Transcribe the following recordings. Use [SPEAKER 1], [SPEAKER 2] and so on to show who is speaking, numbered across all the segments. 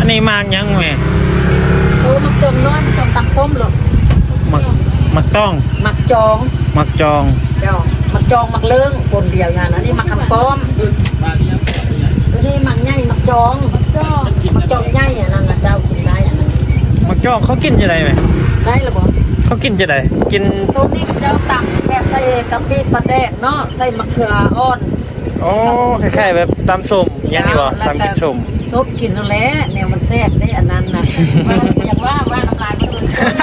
[SPEAKER 1] นี้มากยังแม่
[SPEAKER 2] โอ้มักจองน้อยมักจองตักส้มหรอก
[SPEAKER 1] มักต้อง
[SPEAKER 2] มักจองเดี๋ยวมักจองมักเลิ้งคนเดียวอย่างนั้นนี่มักคำป้อมนี่มักใหญ่มักจองใหญ่อันนั้นนะเจ้ากินได้อันนั้น
[SPEAKER 1] มักจองเขากินจะได้ไหม
[SPEAKER 2] ได้หรือเปล่า
[SPEAKER 1] เขากินจะได้กิน
[SPEAKER 2] ตัวนี้เจ้าตักแบบใส่กะปิปลาแดกเนาะใส่มะเขืออ่อน
[SPEAKER 1] โอ้คล้ายๆแบบตำส้มยังดีกว่าตำกินส้ม
[SPEAKER 2] ซดกินนั่นแหละเนี่ยมันแซ่บได้อันนั้นนะอย่างว่าน้ำลายมันเลย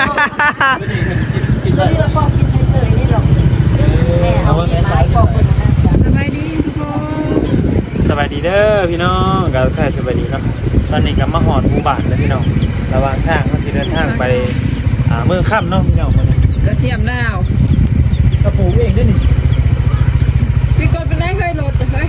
[SPEAKER 2] นี่เราพอกินเฉยๆนี่หรอกแม่เอาไม้ปอกคนนะสบายดีทุกคน
[SPEAKER 1] สบายดีเด้อพี่น้องก็แค่สบายดีเนาะตอนนี้ก็มาหอดหมู่บ้านแล้วพี่น้องระหว่างทางเขาสิเดินทางไปเมืองค่ำเนาะพี่น้องมัน
[SPEAKER 3] กระเทียมดาว
[SPEAKER 1] กระปูเองด้วยนี่
[SPEAKER 3] พี่กดเป็นได้เคยโหลดแต่เฮ้ย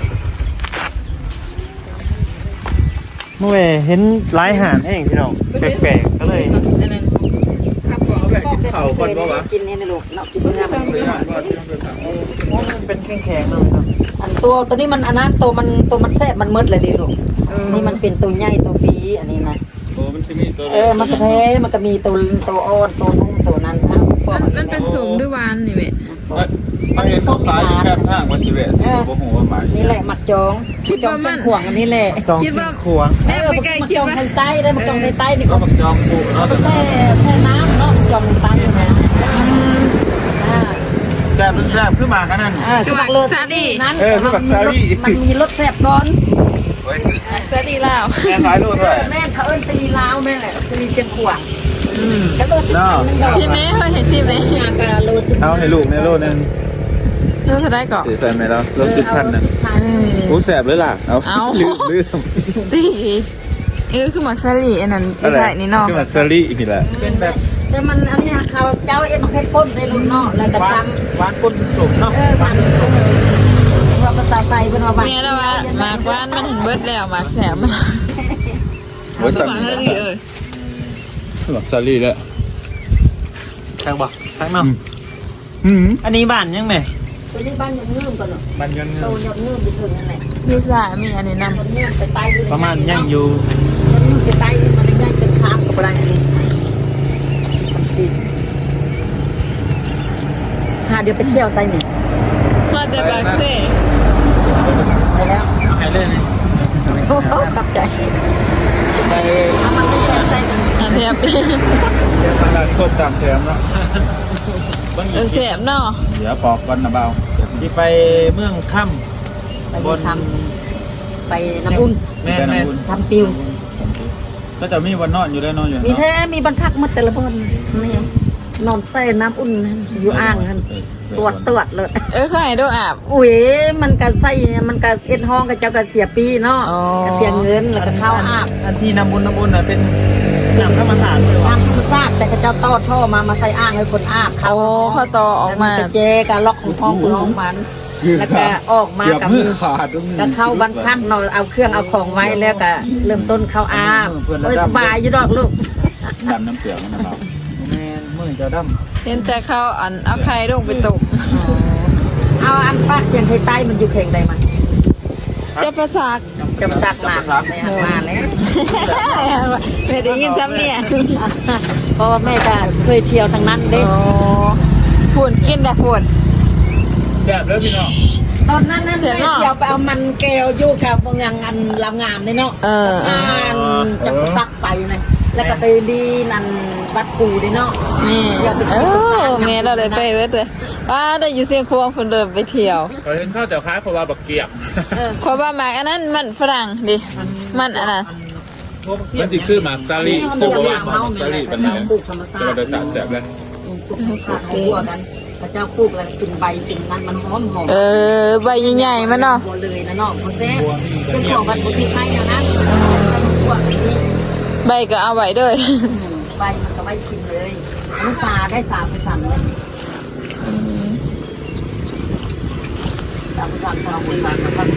[SPEAKER 1] เมื่อเห็นหลายหาดเองพี่น้องแปลกๆก็เลย
[SPEAKER 3] ขับก่อน
[SPEAKER 2] แบบกินเผาก่อนว่ากินนี่นะลูกเนาะกินเนื้อ
[SPEAKER 1] มันเป็นแข็งๆเนาะ
[SPEAKER 2] อันตัวนี้มันอันนั้นตัวมันแซ่บมันมืดเลยดิลูกนี่มันเป็นตัวใหญ่ตัวปีอันนี้นะ
[SPEAKER 4] โอ้มันจะมีตัว
[SPEAKER 2] มันก็แท้มันก็มีตัวอ่อนตัวนุ่มตัวนั้นครับ
[SPEAKER 3] มันเป็นสูงด้วยวานนี่แม่
[SPEAKER 4] มันมีส้มขายอยู่แค่ทางวัดสิเวสโอ้โหว่าหมาย
[SPEAKER 2] นี่แหละหมักจอง
[SPEAKER 3] คิดว่ามัน
[SPEAKER 2] ขวางอันนี้แหละ
[SPEAKER 3] คิดว่า
[SPEAKER 1] ขวาง
[SPEAKER 3] แน่ไปไกลคิดว่า
[SPEAKER 2] มักจองใต้ได้มักจองใต้นี่
[SPEAKER 4] ก็มักจองปูเนาะ
[SPEAKER 2] แช่น้ำเนาะจองใต้นะ
[SPEAKER 4] แซ่บมันแซ่บขึ้นมากันนั่น
[SPEAKER 2] คือบักเลอซาลี่นั้น
[SPEAKER 4] คือบักซาลี่
[SPEAKER 2] มันมีรสแซ่บตอน
[SPEAKER 3] ซาลี่ลาว
[SPEAKER 4] แม่ขายรูดด้วย
[SPEAKER 2] แม่เขาเอิ้นซาลี่ลาวแม่แหละซาลี่เชียงขวางแล้วโลสิบ
[SPEAKER 3] ชิมไหมเคยเห็นชิมไหม
[SPEAKER 4] เอาให้ลูกในโลนึง
[SPEAKER 3] โลจะได้ก่อน
[SPEAKER 4] ใส่ไหมแล้วโล10,000น่ะกูแซ่บเลยล่ะเอาลืม
[SPEAKER 3] ดีคือหมักซาลี่อันนั้นใช่นี่เนาะ
[SPEAKER 4] คือหมักซาลี่อีกนี่แหละ
[SPEAKER 1] เป็นแบบ
[SPEAKER 2] แต่มันอันนี้เขาเจ้ามักเพชรพ่นในลูกเนาะแล้วก็ต
[SPEAKER 1] ำหวานก้นสมเนาะ
[SPEAKER 2] หวานสมว่าภาษาไทยเป็นว่าหวาน
[SPEAKER 3] เมียแล้วว่าหมากหวานมันถึงเบิดแล้วหมากแสบมันหมักซาลี่
[SPEAKER 4] หมักซาลี่แล้ว
[SPEAKER 1] ทางบ่ทางเนาะอันนี้บ้านยังไง
[SPEAKER 2] ตัวนี้บ้านยังเงื่อมกันเนาะ
[SPEAKER 1] บ้านยังเงื่อม
[SPEAKER 2] โตยังเงื่อมไปถึงนั่นแหละ
[SPEAKER 3] มีสายมีอันนี้นำ
[SPEAKER 2] ไปใต้
[SPEAKER 1] ประมาณยังอยู่
[SPEAKER 2] ไปใต้มันง่ายจนค้ามกับอะไรนี่ค่ะเดี๋ยวไปเที่ยวไซนี่
[SPEAKER 3] มาแต่บางเซ่
[SPEAKER 2] ไปแล้ว
[SPEAKER 1] หายเลย
[SPEAKER 2] โอ้โหตับใจ
[SPEAKER 4] ไป
[SPEAKER 2] มันไม่แซ่บใจ
[SPEAKER 3] อันเทียบ
[SPEAKER 4] เดี๋ยวทางด้านโคตรตามแถมเนาะ
[SPEAKER 3] แสบเนาะ
[SPEAKER 4] เดี๋ยวปอกกันนะเบา
[SPEAKER 1] สิไปเมืองค่ำ
[SPEAKER 2] บนทำไปน้ำอุ่น
[SPEAKER 1] แม่
[SPEAKER 2] ทำปิว
[SPEAKER 4] ก็จะมีวันนอนอยู่แล้วนอนอยู่
[SPEAKER 2] มีแท้มีบรรพักมาแต่ละบนนี่นอนใส่น้ำอุ่นอยู่อ่างนั่นตรวจเลย
[SPEAKER 3] ใครดูอาบ
[SPEAKER 2] อุ้ยมันก็ใส่มันก็เอ็ดห้องกับเจ้าก็เสียปีเนาะก็เสียเงินแล้วก็เข้าอาบ
[SPEAKER 1] อันที่น้ำบุญน่ะเป็นน้ำธรรมศาสตร์
[SPEAKER 2] น้ำธรรมศาสตร์แต่ก็เจ้าต่อท่อมาใส่อ่างให้คนอาบ
[SPEAKER 3] เขาต่อออกมา
[SPEAKER 2] เจการล็อกของห้องมันแล้วก็ออกมากับมือก็เข้าบรรพักเราเอาเครื่องเอาของไว้แล้วก็เริ่มต้นเข้าอาบสบายอยู่ดอกลูก
[SPEAKER 4] ดำน้ำเปลือกนะเบา
[SPEAKER 1] แม่เมื่อจะดำ
[SPEAKER 3] เห็นแต่เขาเอาไข่ลงไปตก
[SPEAKER 2] เอาอันปากเสียงไทยใต้มันอยู่เข่งใดมัน
[SPEAKER 3] จะประสาท
[SPEAKER 2] มาแล้ว
[SPEAKER 3] ไม่ได้ยินจำเนี่ย
[SPEAKER 2] เพราะว่าแม่ก็เคยเที่ยวทางนั้นเด้
[SPEAKER 3] ผุนกินแต่ผุน
[SPEAKER 4] แซ่บเลยพี่น้อง
[SPEAKER 2] ตอนนั้นเที่ยวไปเอามันแก้วยู่กับบางอย่างอันลำงามเลยเนาะจะซักไปเลยแล้วก็ไปดีนั่นวัดกูดิเนาะ
[SPEAKER 3] แม่แม่เราเลยไปเว้ยเลยว่าได้อยู่เสียงควงคนเดินไปเที่ยว
[SPEAKER 4] เห็นข้าวแต่ค้าเพราะว่าบักเกียบ
[SPEAKER 3] เพราะว่าหมากอันนั้นมันฝรั่งดิมันอันนั้น
[SPEAKER 4] มันจะคือหมากซาลี่คือว่าหมากซาลี่เป็นอะไรตัวโดยสารแสบเลย
[SPEAKER 2] พระเจ้าปลูกแล้วกินใบกินนั้นมันหอม
[SPEAKER 3] ใบใหญ่ๆมันเนาะ
[SPEAKER 2] เลยนะเนาะโมเสสเป็นของบัตรบุตรไทยนะ
[SPEAKER 3] ใบก็เอาไว้ด้วย
[SPEAKER 2] ใบมันก็ไว้กินเลยมันสาได้3 ไป3เลย3 ไป3ของบริษัทครับ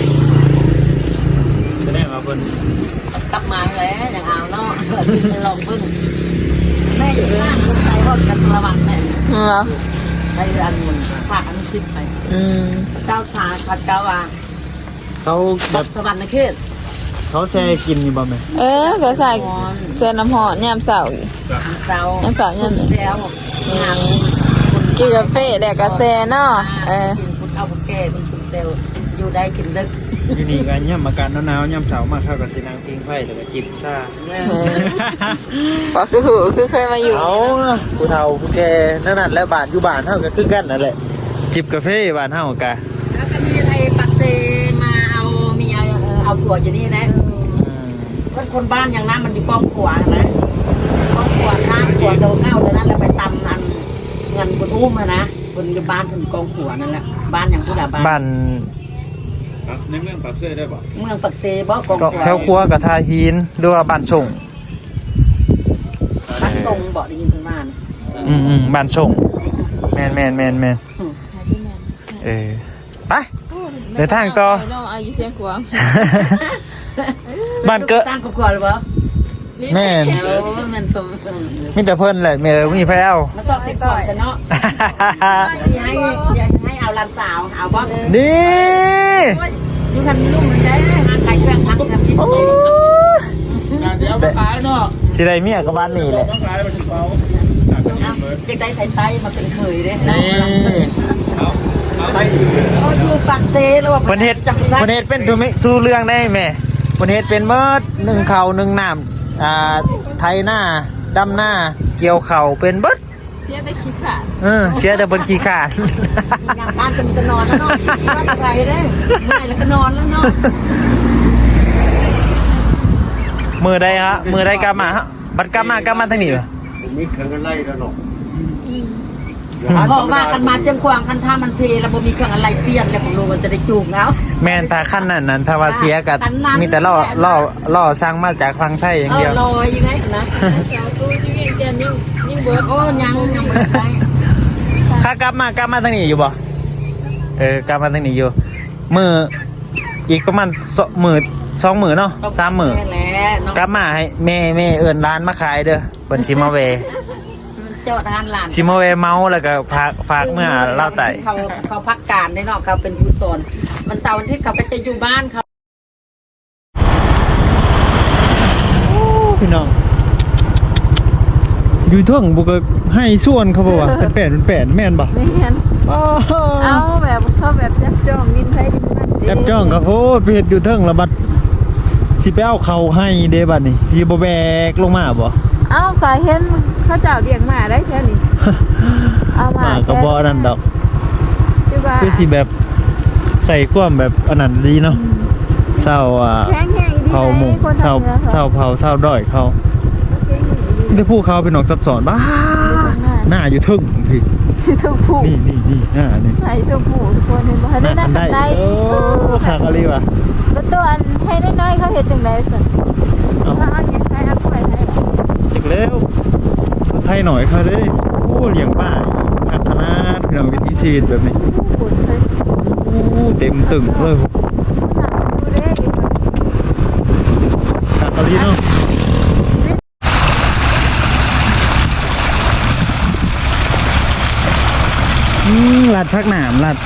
[SPEAKER 1] จะได้มาเพิ่น
[SPEAKER 2] กลับมาแล้วอย่างเอาเนาะกินลองเพิ่นแม่อยู่บ้านคนไทยทอดกันระวังแม่ไปอันมันฝากอันชิดไปเจ้าขาขัดเจ้าเขา
[SPEAKER 1] แบบ
[SPEAKER 2] สวรรค์นะเขต
[SPEAKER 1] เขาแช่กินอยู่บ่แม่
[SPEAKER 3] ก็ใส่เจน้ำหอมยามเสาร์
[SPEAKER 2] เจ้า
[SPEAKER 3] น้ำเสาร์ยาม
[SPEAKER 2] แล้วงาน
[SPEAKER 3] กินกาแฟแดกกาแฟเนาะ
[SPEAKER 2] กินคุณเอาคุณแก่คุณเซลอยู่ได้กินดึก
[SPEAKER 1] อยู่นี่ก็ย่ำอากาศหนาวๆย่ำเสาร์มาเข้ากับสินางพิงไฟแล้วก็จิบชา
[SPEAKER 3] ก็คือเคยมาอยู่
[SPEAKER 1] เอาผู้เฒ่าผู้แก่นั่นแหละบ้านอยู่บ้านเฮาก็คือกันนั่นแหละจิบกาแฟบ้านเฮากะ
[SPEAKER 2] แล้วก็มีไอ้ปักเซมาเอาผัวอยู่นี่นะคนบ้านอย่างนั้นมันอยู่กองขวานะกองขวาข้างขวาโดนเง่าแต่นั้นแล้วไปตำอันเงินบนอุ้มนะคนอยู่บ้านคนกองขวานั่นแหละบ้านอย่างผู้ใดบ้าน
[SPEAKER 1] บ้าน
[SPEAKER 4] ในเมืองปากเซ่ได้ป่ะ
[SPEAKER 2] เมืองปักเซบ่กองขวา
[SPEAKER 1] แถวครัวกับทาหินหรือว่าบ้านส่ง
[SPEAKER 2] บ้านทรงบ่ได้ยินเพิ่นว่านะ
[SPEAKER 1] บ้านส่งแม่นไปเดินทางต่อ
[SPEAKER 3] อายุเสียงขวาง
[SPEAKER 1] บ้านเกิด
[SPEAKER 2] สร้างครอบครัวหรือเปล่า
[SPEAKER 1] แม่น
[SPEAKER 2] มันสม
[SPEAKER 1] มีแต่เพิ่นแหละแม่มีแพ้ว
[SPEAKER 2] มาสอบสิก่อนซะเนาะสิให้เอาหลานสาวเอาบ่
[SPEAKER 1] นี่
[SPEAKER 2] อยู่คันลุ่มมันได้หาขายเครื่องทั้งกันนี่
[SPEAKER 4] งานจะเอามาขายเนาะ
[SPEAKER 1] สิได้เมียกับบ้านนี่แหละ
[SPEAKER 4] มาขายมาถึงเขา
[SPEAKER 2] เด็กได้ไทยไตมาเป็นเคยเด้
[SPEAKER 1] นี่
[SPEAKER 4] เอาไป
[SPEAKER 2] เขาอยู่ปักเซแล้วว่า
[SPEAKER 1] เพิ่นเฮ็ดเป็นทุเรื่องได้แม่เพิ่นเฮ็ดเป็นเบิด1ข้าว1น้ำไถหน้าดำหน้าเกี่ยวข้าวเป็นเบิด
[SPEAKER 3] เสียแต่ขี้ขาด
[SPEAKER 1] เสียแต่เพิ่นขี้ขาด
[SPEAKER 2] งานบ้านจะนอนแล้วเนาะบ้านใครเด้เมื่อยแล้วก็นอนแล้วเนาะ
[SPEAKER 1] มือใดฮะมือใดกลับมาฮะบัดกลับมาทางนี้ป่ะ
[SPEAKER 4] ผมมีเครื่องกันไล่แล้วหรอก
[SPEAKER 2] บอกว่ากันมาเชียงควางคันท่ามันเพแล้วบ่มีเครื่องอะไรเปลี่ยนแล้วผมรู้ว่าจะได้จูงเอา
[SPEAKER 1] แม่นถ้าขั้นนั้นถ้าว่าเสียก็
[SPEAKER 2] คันนั้น
[SPEAKER 1] มีแต่ล่อสร้างมาจากฟังไทยอย่างเดียว
[SPEAKER 2] ลอยยังไงนะ
[SPEAKER 3] แถวตู้ที่เวียงจันทน์ยิ่งเบิร์ด
[SPEAKER 2] โอ้ยังบ่ได้
[SPEAKER 1] ถ้ากลับมาทางนี้อยู่บ่กลับมาทางนี้อยู่มืออีกประมาณ2 มื้อเนาะ3 มื้อ
[SPEAKER 2] แหละเนาะ
[SPEAKER 1] กลับมาให้แม่เอิ้นร้านมาขายเด้อเพิ่นสิมาแวะ
[SPEAKER 2] เจ้าทานหลาน
[SPEAKER 1] สิมาแวะเมาแล้วก็ฝากเมื่อเล่าไต่
[SPEAKER 2] เขาพักการได้เนาะเขาเป็นผู้สอนมันเสาร์อาทิตย์เขาก็จะอยู่บ้านเขา
[SPEAKER 1] พี่น้องอยู่ท่วงบุกให้ส่วนเขาบอกว่าเป็นแป้นแม่นบ่
[SPEAKER 3] ไม่เห็นเอาแบบเขาแบบจับจ้องดินไทยดินมัน
[SPEAKER 1] จับจ้องก็โอ้ไปเฮ็ดอยู่เทิงแล้วบัดสิไปเอาเขาให้เด้บัดนี่สิบ่แบกลงมาบ่
[SPEAKER 3] เอาสายเห็นเขาเจ้าเลี้ยงหมาได้แค่นี้เอามา
[SPEAKER 1] ก็บ่นั่นดอก
[SPEAKER 3] คือว่า
[SPEAKER 1] คือสิแบบใส่ความแบบอันนั้นดีเนาะเศร้า
[SPEAKER 3] แข็งดี
[SPEAKER 1] เผาหมู่เศร้าเผาเศร้าด้อยเขาได้พูดเขาเป็นนกซับซ้อนบ้าหน้าอยู่เทึ่งพี่
[SPEAKER 3] ทุกผู้
[SPEAKER 1] นี่หน้านี่
[SPEAKER 3] ใส่ทุกผู้ทุกคนเห็นบ่ให้ได้นั่งกันได้
[SPEAKER 1] โอ้ขากะลีว่ะ
[SPEAKER 3] แล้วตัวอันให้ได้น้อยเขาเห็นจังได๋สั่นถ้าอันยังให้อักไว้ให้
[SPEAKER 1] จักแล้วไทยหน่อยเขาเลยโอ้เลี้ยงป้าพัฒนาพี่น้องวิถีชีวิตแบบนี้
[SPEAKER 3] ผู้คนเลย
[SPEAKER 1] โอ้เต็มตึงเลย
[SPEAKER 3] ดูเด้
[SPEAKER 1] ขากะลีเนาะลัดพักหนามลัด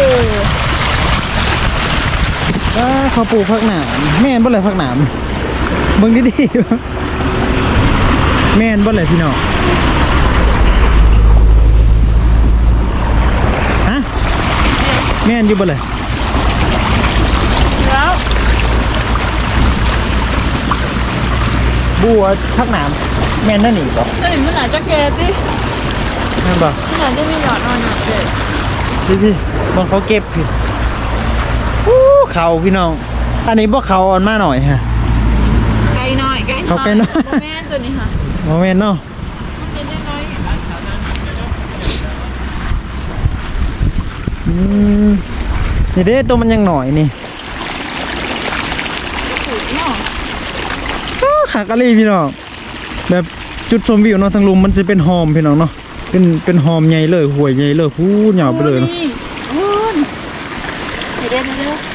[SPEAKER 1] เขาปลูกพักหนามแม่นบ่เลยพักหนามเบิ่งดีๆแม่นบ่เลยพี่น้องฮะแม่นอยู่บ่เลย
[SPEAKER 3] แล้ว
[SPEAKER 1] บัวพักหนามแม่นนั่นนี่บ่
[SPEAKER 3] ตัวนี้มันอาจจะแก่ติ
[SPEAKER 1] แม่นบ่
[SPEAKER 3] มันอาจจะมีหยอดนอนหนักเด้
[SPEAKER 1] พี่บางเขาเก็บพี่เขาพี่น้องอันนี้บ่เขาอ่อนมาหน่อยฮะ
[SPEAKER 3] ไก่น้อยไก่
[SPEAKER 1] เขาไก่น้อย
[SPEAKER 3] บ่แม่นตัวนี้ค่ะ
[SPEAKER 1] โมเมนต์เนาะ
[SPEAKER 3] มันเป็นน้อย
[SPEAKER 1] นี่เด้ตัวมันยังหน่อยนี่
[SPEAKER 3] ถูกเนาะ
[SPEAKER 1] ขากะลีพี่น้องแบบจุดชมวิวเนาะทางลุมมันจะเป็นหอมพี่น้องเนาะเป็นหอมใหญ่เลยห่วยใหญ่เลยพูดหยาบไปเลยเนาะ
[SPEAKER 3] โอ้ยเด้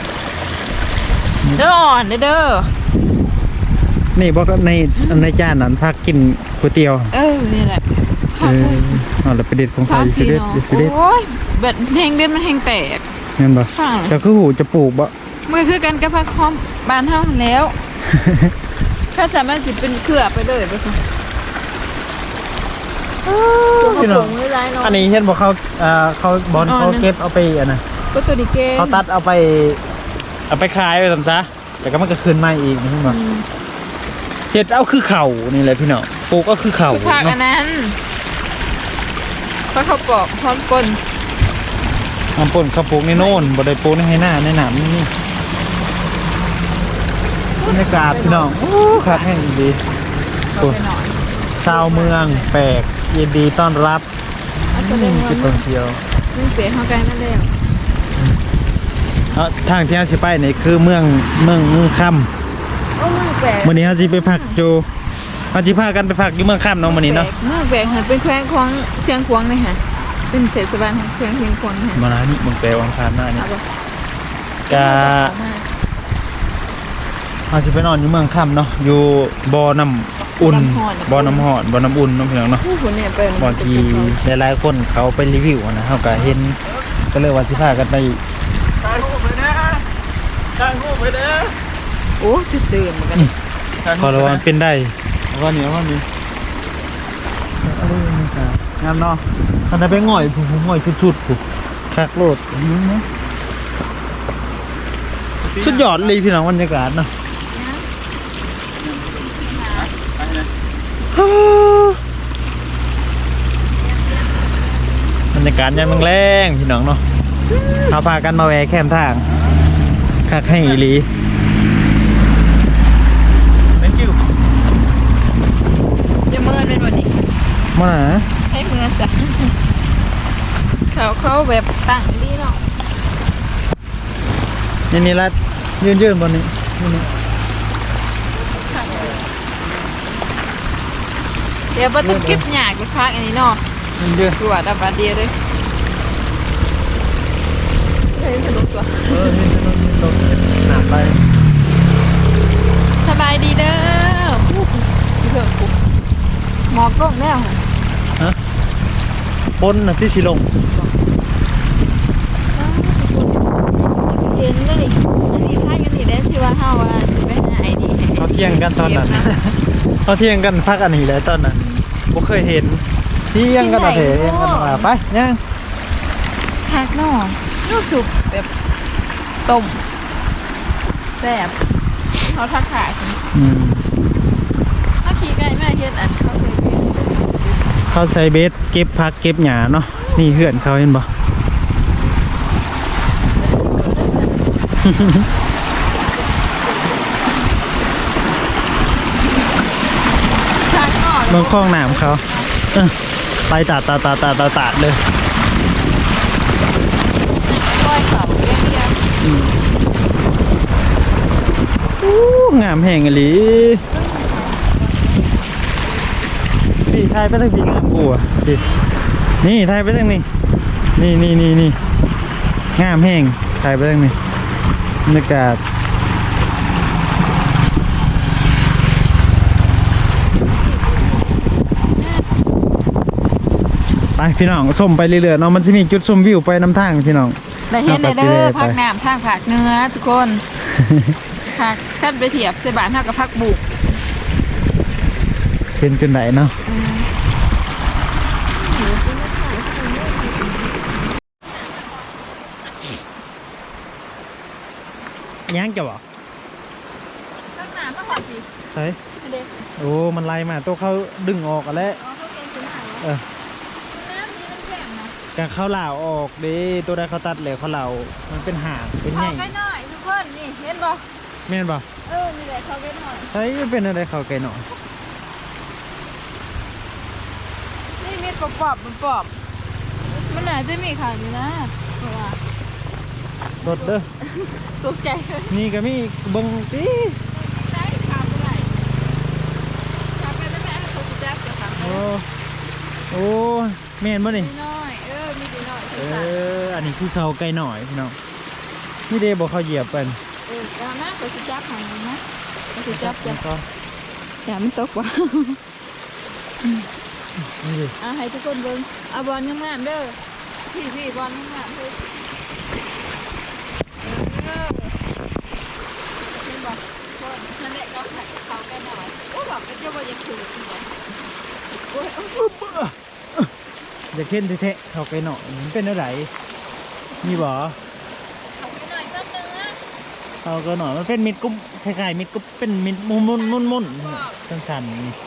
[SPEAKER 3] เด้ออ่อนเด้อ
[SPEAKER 1] นี่บอกในจานนั้นพักกินก๋วยเตี๋ยว
[SPEAKER 3] นี่แหละ
[SPEAKER 1] เอาละไปเด็ดของใครสิเด็ดสิเด็ด
[SPEAKER 3] โอ้ยแบบแห้งเด็ดมันแห้งแตก
[SPEAKER 1] เห็นบ่
[SPEAKER 3] ฟัง
[SPEAKER 1] จะคือหูจะปลูกบ่
[SPEAKER 3] มือคือกันกับพักพร้อมบ้านเฮาแล้วข้าสามารถจิเป็นเครือไปเลยไปสิตัว
[SPEAKER 1] พี่น้
[SPEAKER 3] ผ
[SPEAKER 1] อง
[SPEAKER 3] งไม่ร้ายเนาะ
[SPEAKER 1] อันนี้เห็นบอกเขาบอลเขาเก็บเอาไปอันน่ะ
[SPEAKER 3] ก็ตัวดีเกม
[SPEAKER 1] เขาตัดเอาไปขายไปทำซะแต่ก็มันก็คืนมาอีกนี่มั้งเห็ดเอาคือเข่านี่แหละพี่น้องปลูกก็คือเข่า
[SPEAKER 3] คือผักอันนั้นเพราะเขาปอกพร้อมก้น
[SPEAKER 1] น้ำป่นเขาปลูกในโน่นบ่ได้ปลูกในให้หน้าในหนามนี่บรรยากาศพี่น้องโอ้ขาดแห้งดี
[SPEAKER 3] ก็ไปหน่อย
[SPEAKER 1] ชาวเมืองแปลกยินดีต้อนรับ
[SPEAKER 3] เอาตัวเล่น
[SPEAKER 1] จุดท่องเที่ยว
[SPEAKER 3] มึงเสียเข้าใกล้มาแล้ว
[SPEAKER 1] ทางที่เราสิไปนี่คือเมืองค่ำ
[SPEAKER 3] โอ้มึงแปลก
[SPEAKER 1] วันนี้เราสิไปพักอยู่เราสิพากันไปพักอยู่เมืองค่ำเนาะวันนี้เนาะ
[SPEAKER 3] มึงแปลกหันเป็นแขวงของเชียงขวางเลยค่ะเป็นเทศบาลของแขวงเชียงขวางค่ะ
[SPEAKER 1] มาแล้วนี่เมืองแปลวังคารหน้านี่
[SPEAKER 3] เอาบ่
[SPEAKER 1] กะเราสิไปนอนอยู่เมืองค่ำเนาะอยู่บ่อน้ำอุ่นบ่อน้ำหอนบ่อน้ำอุ่นน้องพี่น้องเนาะ
[SPEAKER 3] ผู้คนเนี่ยเป็น
[SPEAKER 1] บางทีหลายๆคนเขาไปรีวิวนะเขาก็เห็นก็เลยว่าสิพากันไปถ่ายรูปไปนะถ่ายรูปไปนะ
[SPEAKER 3] โอ้จุดตื่นเหมือนกัน
[SPEAKER 1] ขอระวังเป็นได้ว่านี้งามเนาะอันนั้นไปง่อยผู้ง่อยชุดๆผู้คักโลดสุดยอดเลยพี่น้องบรรยากาศเนาะบรรยากาศยามแรงๆพี่น้องเนาะเอาพากันมาแวะแคมทางคักให้อีหลี thank you
[SPEAKER 3] จะเมินเป็นวันนี้
[SPEAKER 1] มาหา
[SPEAKER 3] ให้เมินจ้ะเขาแบบตั้งดีเนาะ
[SPEAKER 1] นี่รัดยืนบนนี้นี่
[SPEAKER 3] เดี๋ยวประตูเก็บหยากไปพักอันนี้เนาะ
[SPEAKER 1] ยืน
[SPEAKER 3] ตรวจอับบาเดียเลยเฮ้ยสนุกตัว
[SPEAKER 1] นี่ถนนนี่ลงหนาไป
[SPEAKER 3] สบายดีเด้อเพิ่งปุ๊บหมอกลงแล้ว
[SPEAKER 1] ฮะปนน่ะที่สิลง
[SPEAKER 3] เห็นเลยนี่อันนี้พากันนี่ได้ที่ว่าเฮาว่าสิไปหาไอดี
[SPEAKER 1] เขาเที่ยงกันตอนนั้นเขาเที่ยงกันพักอันนี้เลยตอนนั้นบ่เคยเห็นเที่ยงกันอะเถอะกันมาไปย่าง
[SPEAKER 3] คักเนาะรู้สึกแบบต้มแซ่บเขาทักขายเขาขี่ไก่แม่เฮ็ดอันเขาเคยกิน
[SPEAKER 1] เขาใส่เบสเก็บพักเก็บหญ้าเนาะนี่เหือนเขาเห็นบ่
[SPEAKER 3] คักเนาะ
[SPEAKER 1] เมืองคลองน้ำเขาไปตาดเลย
[SPEAKER 3] ก้อยเขาเรียกเรียก
[SPEAKER 1] งามแห่งอหลีพี่ไทยไปทางพี่งามกูอ่ะพี่นี่ไทยไปทางนี้นี่งามแห่งไทยไปทางนี้บรรยากาศไปพี่น้องส้มไปเรื่อยๆเนาะมันจะมีจุดชมวิวไปน้ำทางพี่น้อง
[SPEAKER 3] ได้เห็นได้เด้อพักน้ำทางผักเนื้อทุกคนผักขั้นไปเทียบใส่บานเท่ากับผักบุก
[SPEAKER 1] เป็นจนไหนเนาะยังจะบอก
[SPEAKER 3] พักน้ำพักหอดสิ
[SPEAKER 1] ใช่
[SPEAKER 3] เด็ก
[SPEAKER 1] โอ้มันไล่มาตัวเขาดึงออกกันแล้ว
[SPEAKER 3] อ๋อเขาเก่งขึ้นมา
[SPEAKER 1] เออ
[SPEAKER 3] น้ำนี้มันแข็งนะ
[SPEAKER 1] การเขาเหล่าออกดิตัวใดเขาตัดเลยเขาเหล่ามันเป็นหางเป็นให
[SPEAKER 3] เข้า
[SPEAKER 1] ญ่
[SPEAKER 3] ใกล้หน่อยทุกคนนี่เห็นบ่
[SPEAKER 1] แม่นป่ะ
[SPEAKER 3] นี่แหละเข้าใกล้หน่อย
[SPEAKER 1] ใช่เป็นอะไรเขาไกลหน่อย
[SPEAKER 3] นี่มีปอบมันปอบมันอาจจะมีข่าวอยู่นะเพราะว่าร
[SPEAKER 1] ถเด้อ
[SPEAKER 3] ตกใจเลย
[SPEAKER 1] นี่ก็มีเบิ้งตี
[SPEAKER 3] ได้ข่าวเมื่อไหร่ข่าวไปแล้วแม่ให้เขาจะจับจะทำ
[SPEAKER 1] โอ้โอ้แม่นป่ะนี่
[SPEAKER 3] มีน้อยมีดีน้อย
[SPEAKER 1] อันนี้คือเขาไกลหน่อยพี่น้องนี่เดบอกเขาเหยียบเป็น
[SPEAKER 3] เอานะเขาจะจับหางนะเขาจะจับ
[SPEAKER 1] แล้วก็
[SPEAKER 3] อย่ามันตกว่ะ
[SPEAKER 1] นี่ดิ
[SPEAKER 3] ให้ทุกคนเบิ่งเอาบอลงามๆเด้อพี่บอลงามๆเด้อเห็นบ่นั่นแหละก็เขาแก่หน่อยโอ้บอกเป็นเจ้าบ่ยังคือโอ้ย
[SPEAKER 1] อย่าเค้นเทะเขาไปหน่อยมันเป็นอะไรมีบ่
[SPEAKER 3] เขาแก่หน่อยก็เนื้อ
[SPEAKER 1] เขาก็หน่อยมันเป็นมิดกุ๊บคล้ายๆมิดกุ๊บเป็นมิดมุนสั้นๆนี่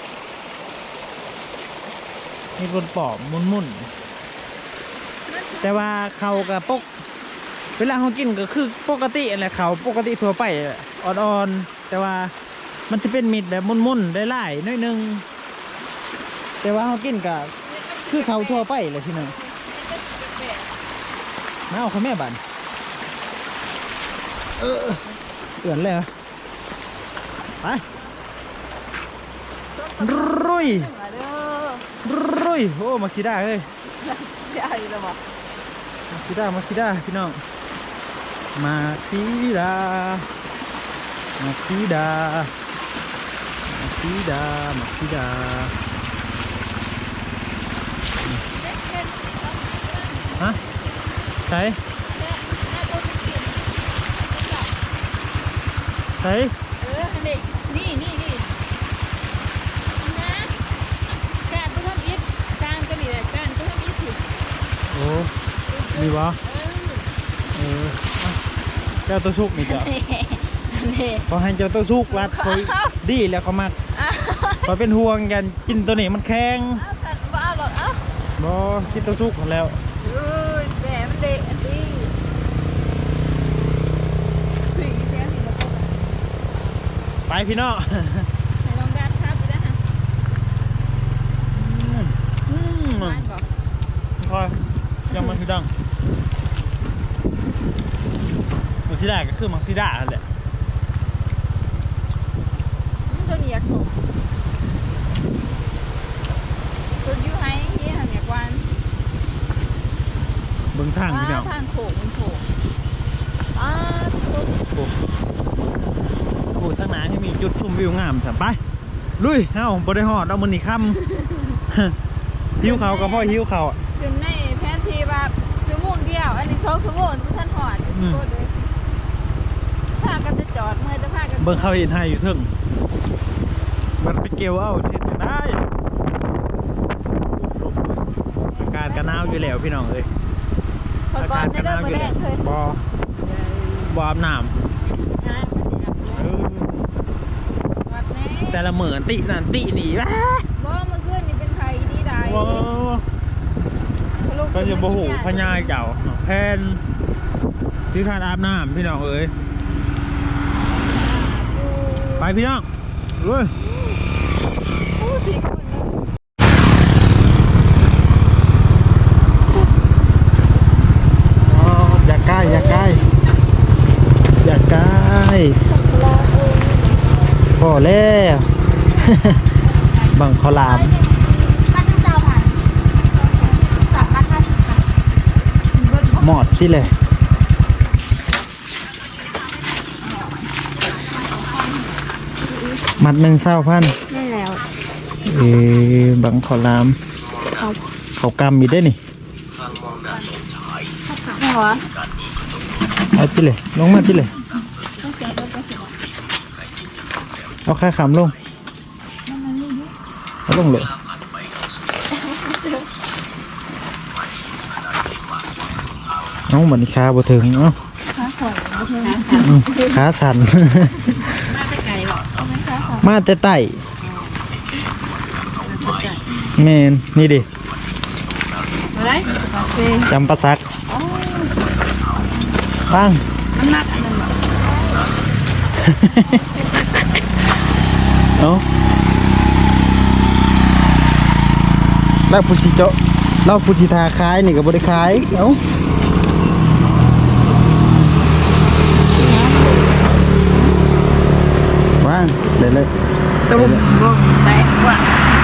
[SPEAKER 1] มีคนปอบมุนแต่ว่าเขากับปกเวลาเขากินก็คือปกติอะไรเขาปกติทั่วไปอ่อนๆแต่ว่ามันจะเป็นมิดแบบมุนได้หลายน้อยนึงแต่ว่าเขากินกับคือเขาทั่วไปเลยที่นั่นมาเอาข้าวแม่บันเอื่อนเลยเหรอไปรุยโอ้มาซิด้าเฮ้ย
[SPEAKER 3] ใหญ่เลยบ่
[SPEAKER 1] มาซิด้าพี่น้องมาซิด้าฮะใส่
[SPEAKER 3] นี่นะการก็ทำอิฐการก็นี่แหละการก็ทำอิฐถูก
[SPEAKER 1] โอ้มีวะเจ้าตัวสุกนี่จ้ะ
[SPEAKER 3] นี่
[SPEAKER 1] พอให้เจ้าตัวสุกรัดคอยดีแล้วเขามักพอเป็นห่วงกันกินตัวนี้มันแข็ง
[SPEAKER 3] เอากันบ้าหรอกเอ้า
[SPEAKER 1] บ่กินตัวสุกหมดแล้ว
[SPEAKER 3] แหมมันเด็กอันนี้ถึงแค่นี้แล้วก็
[SPEAKER 1] ไปพี่น้อง
[SPEAKER 3] ให้ลองดัดครับไปได้ฮะบ้านบอก
[SPEAKER 1] คอยยังมันคือดังมักซิด้าก็คือมักซิด้าแหละ
[SPEAKER 3] ตัวนี้อยากส่งตัวยูไฮที่ทำอย่างวัน
[SPEAKER 1] เบิ่งทางพี่น้อง
[SPEAKER 3] ทางโขงมันโขงทุก
[SPEAKER 1] โอ้ทั้งหน้าที่มีจุดชมวิวงามสัมไปลุยเอ้าบ่ได้ฮอดเอามื้อนี้ค่ำหิวเขาวก็พ่อหิวเขาว
[SPEAKER 3] ขึ้นในแผนที่แบบชั่วโมงเดียว อันนี้2 ชั่วโมงท่านหอดโคตรเลยพากันจะจอดเมื่อจะพากัน
[SPEAKER 1] เบิ่งเขาเห็นให้อยู่เทึ่งมันไปเกี่ยวเอาเสร็จจะได้อากาศก็หนาวอยู่แล้วพี่น้องเอ้ย
[SPEAKER 3] พอก่อนจะเริ่มมาแรกเคย
[SPEAKER 1] บ่อาบน้ำ
[SPEAKER 3] งานวัดแน่
[SPEAKER 1] แต่ละเหมือนตินั่นตินี่ว้า
[SPEAKER 3] บ่เมื่อคืนนี่เป็นไข่ดีได้
[SPEAKER 1] ก็จะบ่หูพญายเจ้าแพนที่ขาดอาบน้ำพี่น้องเอ้ยไปพี่น้องเลย
[SPEAKER 3] ผู้สี่คน
[SPEAKER 1] อย่าใกล้พอแล้วบังขลาม
[SPEAKER 3] บ้านเจ้าผ่าน350 ค่ะ
[SPEAKER 1] หมอดที่เลยมัด1,000
[SPEAKER 3] ได้แล้ว
[SPEAKER 1] บังขลามเขากำอยู่ได้นี่
[SPEAKER 3] หัว
[SPEAKER 1] เอาที่เลยลงมาที่เลยเอาค่าขำลงเอาลงเลยน้องเหมือนขาบ่ถึงเนาะขาสั่นมาแต่ไต่แมนนี่ดิ
[SPEAKER 3] อะไรโอเค
[SPEAKER 1] จำปาสักบ้าง
[SPEAKER 3] มันหนักอันนั้น
[SPEAKER 1] เนาะแล้วผู้ชิโจเราผู้ชิทาคายนี่กับบริคายเอ้าว่างเลย
[SPEAKER 3] ตุ้มบ้งแตกว่ะ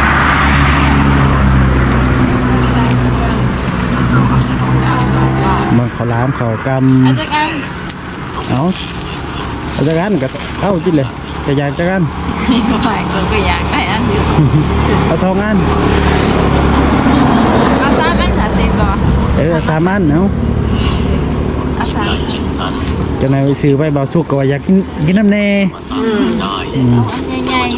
[SPEAKER 1] มันเขาล้ามเขาก
[SPEAKER 3] อาจารย์
[SPEAKER 1] ำเอาจากกันกับเข้ากินเลยจะอยากจากกัน
[SPEAKER 3] ไม่ก็อยากได้อันเดียว
[SPEAKER 1] เอา2 อัน
[SPEAKER 3] เอา3 อัน50ก่อน
[SPEAKER 1] 3 อันเอา
[SPEAKER 3] เอา3
[SPEAKER 1] จังได๋ไปซื้อไปเบาสุกก็ว่าอยากกินน้ำแน่อืม
[SPEAKER 3] ใหญ่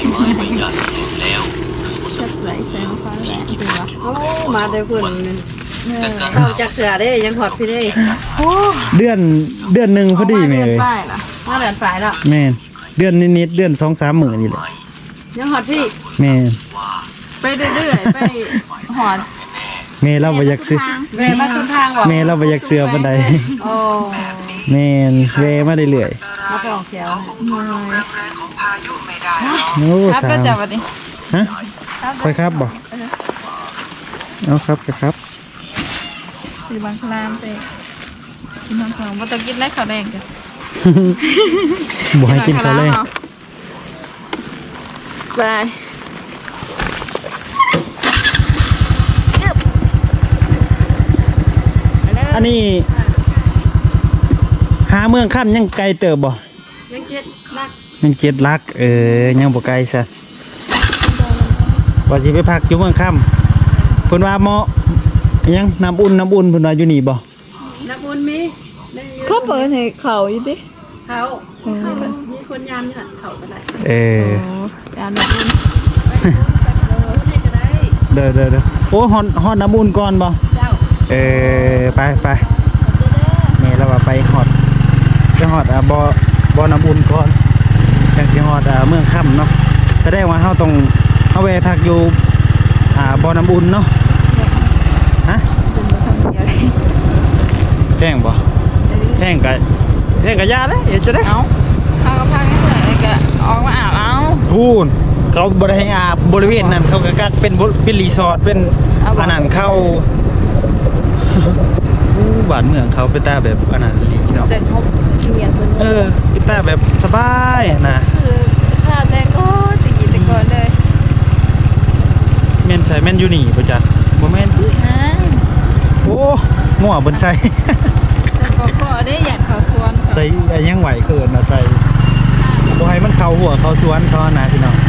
[SPEAKER 3] ๆชัดไหลแสงฟ้าแหละดูวะ
[SPEAKER 2] โอ้มาได้เพิ่นเข้าจักเสือได้ยังหอดพี่ได้
[SPEAKER 3] โอ้
[SPEAKER 1] เดือนหนึงพอดีแม่เอ้ย
[SPEAKER 3] ป้ายล่ะ
[SPEAKER 2] มาเดินฝ่ายแล้ว
[SPEAKER 1] แม่นเดือนนิดๆเดือน 2-3 มื้อนี่แหละ
[SPEAKER 2] ยังหอดพี่
[SPEAKER 1] แม่น
[SPEAKER 3] ไปเรื่อยๆไปหอด
[SPEAKER 1] แม่เราบ่อยากซื้อ
[SPEAKER 2] เวมาทุนทางบ่
[SPEAKER 1] แม่เราบ่อยากเสือปานใด
[SPEAKER 2] โอ้
[SPEAKER 1] แม่นเวมาเรื่อย
[SPEAKER 2] มาปองเขียว
[SPEAKER 1] ๆโอ้
[SPEAKER 3] ครับ
[SPEAKER 1] สา
[SPEAKER 3] ก็
[SPEAKER 1] ม
[SPEAKER 3] จะวันนี้
[SPEAKER 1] ฮะค่อยครับบ่เอาครับครับ
[SPEAKER 3] ซื้อบางคลามไปกินบางคลามว่าต้องกินไรข้าวแดงกัน
[SPEAKER 1] บ่ให้กินข้าวแรง
[SPEAKER 3] ไป
[SPEAKER 1] อันนี้หาเมืองค่ำยังไกลเติบบ่
[SPEAKER 2] ยังเจ็ดนัก
[SPEAKER 1] ยัง7ลักยังบ่ไกลซะว่าสิไปพักอยู่เมืองค่ำเพิ่นว่าเหมาะยังน้ำอุ่นเพิ่นว่าอยู่นี่บ่
[SPEAKER 2] นักบุญมีได้
[SPEAKER 3] เขาเปิดให้เขาอยู่ดิ
[SPEAKER 2] เขามีคนยามหันเขาก็ได้
[SPEAKER 3] การแบบนี้
[SPEAKER 2] ให้ก็ได้
[SPEAKER 1] เด้อโอ้ฮอดน้ำอุ่นก่อนบ่
[SPEAKER 2] เจ้า
[SPEAKER 1] ไปแม่เราว่าไปฮอดจะฮอดบ่น้ำอุ่นก่อนจังสิฮอดเมืองค่ำเนาะแสดงว่าเฮาต้องเฮาแวะพักอยู่บ่น้ำอุ่นเนาะฮะแพงบ่แพงก็ยาเลยจะได้
[SPEAKER 3] เอาข้าวกะเพราไม่เหมือนเลยก็ออกมาอาบเอา
[SPEAKER 1] พูนเขาบริให้อาบบริเวณนั้นเขาก็กักเป็นรีสอร์ทเป็นอันนั้นเข้าบ้านเมืองเขาเป็นตาแบบอันนั้นลีเนาะ
[SPEAKER 3] เสร็จครบเชียร์คน
[SPEAKER 1] เป็นตาแบบสบายนะ
[SPEAKER 3] คือข้าวแดงก็ตะกี้ตะก่อนเลย
[SPEAKER 1] แม่นใส่แม่นอยู่นี่ป่ะจ๊ะบ่แม่น
[SPEAKER 3] อ่า
[SPEAKER 1] โอ้งัวบนใส่
[SPEAKER 3] แต่ก็ได้อยากเขาสวน
[SPEAKER 1] ใส่ยังไหวเกินนะใส่บ่ให้มันเข้าหัวเข้าสวนเขานะพี่น้อง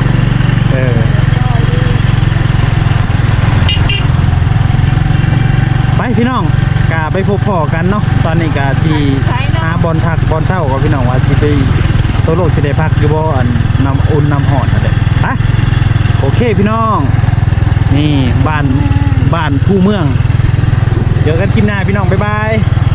[SPEAKER 1] ไปพี่น้องกาไปพบพ่อกันเนาะตอนนี้กาที่หาบอลพักบอลเศร้ากับพี่น้องว่าสิไปโตโลกสิได้พักอยู่บ่อันน้ำอุ่นน้ำหอดนั่นแหละไปโอเคพี่น้องนี่บ้านผู้เมืองเจอกันคลิปหน้าพี่น้องบ๊ายบาย